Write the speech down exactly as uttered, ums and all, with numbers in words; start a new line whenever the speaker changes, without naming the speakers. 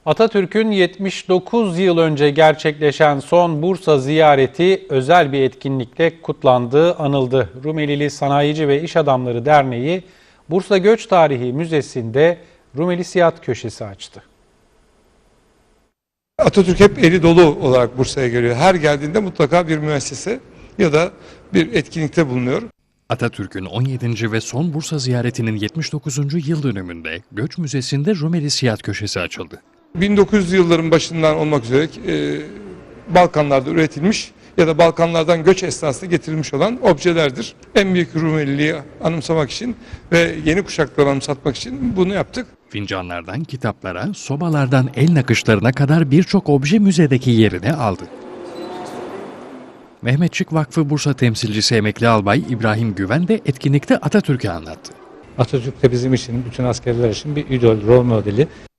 Atatürk'ün yetmiş dokuz yıl önce gerçekleşen son Bursa ziyareti özel bir etkinlikle kutlandı, anıldı. Rumelili Sanayici ve İş Adamları Derneği, Bursa Göç Tarihi Müzesi'nde Rumeli Siyah Köşesi açtı.
Atatürk hep eli dolu olarak Bursa'ya geliyor. Her geldiğinde mutlaka bir müessese ya da bir etkinlikte bulunuyor.
Atatürk'ün on yedinci ve son Bursa ziyaretinin yetmiş dokuzuncu yıl dönümünde Göç Müzesi'nde Rumeli Siyah Köşesi açıldı.
bin dokuz yüzlü yılların başından olmak üzere e, Balkanlarda üretilmiş ya da Balkanlardan göç esnasında getirilmiş olan objelerdir. En büyük Rumeliliği anımsamak için ve yeni kuşakları anımsatmak için bunu yaptık.
Fincanlardan kitaplara, sobalardan el nakışlarına kadar birçok obje müzedeki yerini aldı. Mehmetçik Vakfı Bursa temsilcisi emekli albay İbrahim Güven de etkinlikte Atatürk'ü anlattı.
Atatürk de bizim için, bütün askerler için bir idol, rol modeli.